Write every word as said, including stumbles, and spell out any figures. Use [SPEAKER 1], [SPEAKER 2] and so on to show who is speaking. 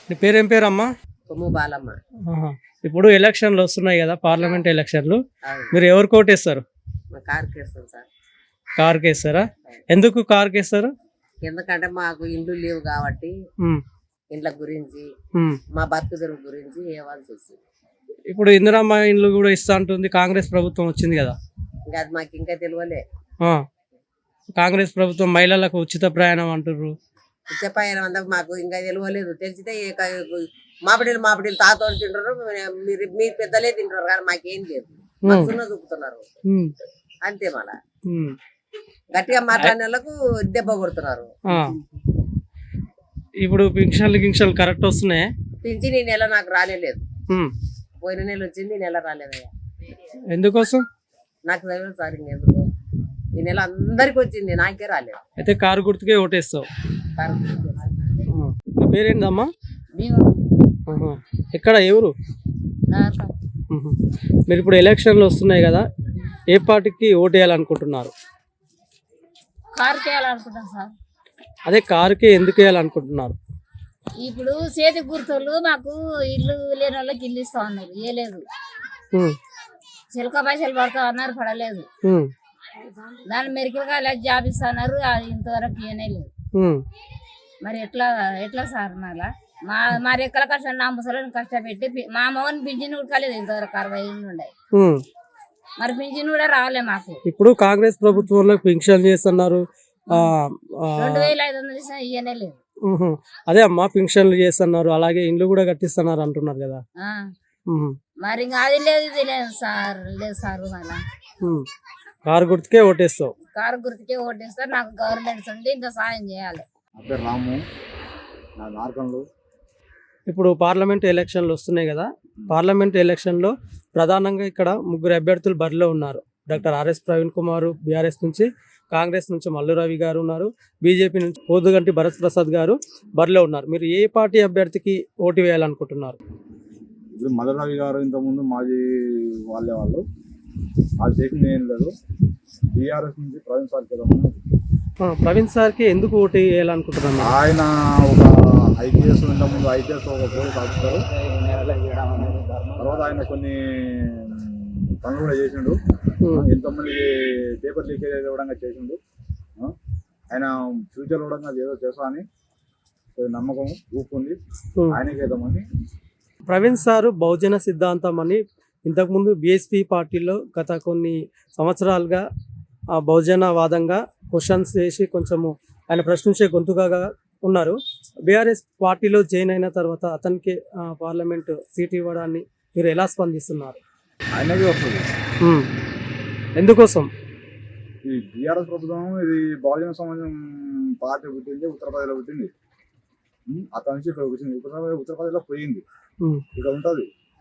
[SPEAKER 1] నీ పేరేం పేరమ్మా?
[SPEAKER 2] కొమ్ము బాలమ్మ.
[SPEAKER 1] ఆహా. ఇప్పుడు ఎలక్షన్లు వస్తున్నాయి కదా, పార్లమెంట్ ఎలక్షన్లు.
[SPEAKER 2] అవును.
[SPEAKER 1] మీరు ఎవరు కోటేస్తారు?
[SPEAKER 2] మా కారుకి వేస్తాం సార్.
[SPEAKER 1] కార్కి వేస్తారా? ఎందుకు కార్కి వేస్తారు?
[SPEAKER 2] ఎందుకంటే మాకు ఇండ్లు లేవు కాబట్టి
[SPEAKER 1] ఉమ్,
[SPEAKER 2] ఇండ్ల గురించి
[SPEAKER 1] ఉమ్.
[SPEAKER 2] మా బతుకుదెరువు గురించి ఇవ్వాల్సి వస్తుంది.
[SPEAKER 1] ఇప్పుడు ఇందిరమ్మ ఇండ్లు కూడా ఇస్తా అంటుంది, కాంగ్రెస్ ప్రభుత్వం వచ్చింది కదా.
[SPEAKER 2] ఇంకా అది మాకు ఇంకా తెలియలే.
[SPEAKER 1] ఆ. కాంగ్రెస్ ప్రభుత్వం మహిళలకు ఉచిత ప్రయాణం అంటుర్రు.
[SPEAKER 2] చెప్పాయన అంతా మాకు ఇంకా తెలియలేదు. తెలిసితే మాపిడీలు మాపిడీలు తాతోళ్ళు తింటారు, మీరు మీ పెద్దలే తింటారు కానీ మాకేం లేదు. మాకు సున్న చూపుతున్నారు
[SPEAKER 1] ఉమ్,
[SPEAKER 2] అంతే. మళ్ళా
[SPEAKER 1] ఉమ్.
[SPEAKER 2] గట్టిగా మాట్లాడిన వాళ్ళకు దెబ్బ కొడుతున్నారు.
[SPEAKER 1] ఆ. ఇప్పుడు పింఛన్లు గింక్షన్లు కరెక్ట్ వస్తున్నాయి.
[SPEAKER 2] పింఛన్ ఈ నెల నాకు రాలేదు.
[SPEAKER 1] ఉమ్.
[SPEAKER 2] పోయిన నెల వచ్చింది, ఈ నెల రాలేదయ్యా.
[SPEAKER 1] ఎందుకోసం?
[SPEAKER 2] నాకు తెలియదు సార్. ఇంకెందుకు ఈ నెల అందరికి వచ్చింది, నాకే రాలేదు.
[SPEAKER 1] అయితే కారు గుర్తుకే ఓటేస్తావు. ఆ. నీ పేరేందమ్మా? ఆహా. ఎక్కడ ఎవరు? ఉహు. మీరు ఇప్పుడు ఎలక్షన్లు వస్తున్నాయి కదా, ఏ పార్టీకి ఓటు వేయాలనుకుంటున్నారు?
[SPEAKER 3] కారుకి వేయాలనుకుంటాం సార్.
[SPEAKER 1] అదే కారుకి ఎందుకు వేయాలనుకుంటున్నారు?
[SPEAKER 3] ఇప్పుడు చేతి గుర్తులు మాకు ఇల్లు లేని వాళ్ళకి ఇల్లు ఇస్తా ఉన్నారు, ఏ లేదు.
[SPEAKER 1] ఉమ్,
[SPEAKER 3] చిలక పైసలు పడతా అన్నారు, పడలేదు.
[SPEAKER 1] ఉమ్,
[SPEAKER 3] దాని మెరికలుగా ఇలా జాబ్ ఇస్తా అన్నారు, అది ఇంతవరకు ఏనే లేదు.
[SPEAKER 1] ఉమ్.
[SPEAKER 3] మరి ఎట్లా ఎట్లా సార్? మళ్ళా మా మా రెక్కల కష్టం నా ముసలిని కష్టపెట్టి పి- మా అమ్మని పింఛన్ కూడా కాలేదు ఇంతవరకు, అరవై ఏళ్ళు ఉండే.
[SPEAKER 1] ఉమ్.
[SPEAKER 3] మరి పింఛన్ కూడా రాలే మాకు.
[SPEAKER 1] ఇప్పుడు కాంగ్రెస్ ప్రభుత్వంలో పింఛన్ చేస్తున్నారు. ఆ, ఆ,
[SPEAKER 3] రెండు వేల ఐదు వందలు ఇచ్చినా ఇయ్యనే లేదు.
[SPEAKER 1] ఉహు. అదే అమ్మా, పింఛన్లు చేస్తున్నారు, అలాగే ఇండ్లు కూడా కట్టిస్తున్నారు అంటున్నారు కదా.
[SPEAKER 3] ఆ.
[SPEAKER 1] ఉహు.
[SPEAKER 3] మరి ఇంకా అది లేదు ఇది లేదు సార్. లేదు సార్. మళ్ళా
[SPEAKER 1] ఉమ్. కారు గుర్తుకే ఓటేస్తావు.
[SPEAKER 3] కారు గుర్తుకే ఓటేస్తారు. నాకు గవర్నమెంట్ నుండి ఇంత సాయం చేయాలి.
[SPEAKER 4] నా పేరు రాము, నా నార్కంలో.
[SPEAKER 1] ఇప్పుడు పార్లమెంట్ ఎలక్షన్లు వస్తున్నాయి కదా, పార్లమెంట్ ఎలక్షన్లో ప్రధానంగా ఇక్కడ ముగ్గురు అభ్యర్థులు బరిలో ఉన్నారు. డాక్టర్ ఆర్ఎస్ ప్రవీణ్ కుమార్ బీఆర్ఎస్ నుంచి, కాంగ్రెస్ నుంచి మల్లు రవి గారు ఉన్నారు, బీజేపీ నుంచి పోదుగంటి భరత్ ప్రసాద్ గారు బరిలో ఉన్నారు. మీరు ఏ పార్టీ అభ్యర్థికి ఓటు వేయాలనుకుంటున్నారు?
[SPEAKER 4] ఇప్పుడు మల్లరావి గారు ఇంతకుముందు మాజీ వాళ్ళే వాళ్ళు, వాళ్ళు చేసింది ఏం లేదు. బీఆర్ఎస్ నుంచి ప్రవీణ్ సార్ కేదామని.
[SPEAKER 1] ఆ, ప్రవీణ్ సార్కి ఎందుకు ఓటు వేయాలనుకుంటున్నారు?
[SPEAKER 4] ఆయన ఒక ఐపీఎస్ ఇంతకుముందు ఐపీఎస్ ఒక పోలీస్ ఆఫీసర్, తర్వాత ఆయన కొన్ని పనులు కూడా చేసిండు. ఎంతోమందికి పేపర్ లీకేజ్ ఇవ్వడంగా చేసిండు. ఆ, ఆయన ఫ్యూచర్ కూడా ఏదో చేస్తా అని నమ్మకం ఊపుకుంది, ఆయనకి వేద్దామని.
[SPEAKER 1] ప్రవీణ్ సారు బహుజన సిద్ధాంతం అని ఇంతకుముందు బీఎస్పీ పార్టీలో గత కొన్ని సంవత్సరాలుగా ఆ బహుజనవాదంగా క్వశ్చన్స్ చేసి కొంచెము ఆయన ప్రశ్నించే గొంతుగా ఉన్నారు. బీఆర్ఎస్ పార్టీలో జాయిన్ అయిన తర్వాత అతనికి పార్లమెంట్ సీట్ ఇవ్వడాన్ని మీరు ఎలా స్పందిస్తున్నారు?
[SPEAKER 4] ఆయనకి వస్తుంది.
[SPEAKER 1] ఉమ్. ఎందుకోసం?
[SPEAKER 4] ఈ బీఆర్ఎస్ ప్రభుత్వం ఇది బహుజన సమాజం పార్టీ పుట్టింది, ఉత్తరప్రదేశ్లో పుట్టింది. ఉమ్, అక్కడి నుంచి ఇక్కడ వచ్చింది. ఉత్తరప్రదేశ్ ఉత్తరప్రదేశ్లో పోయింది,
[SPEAKER 1] ఉమ్.
[SPEAKER 4] ఇక్కడ ఉంటుంది.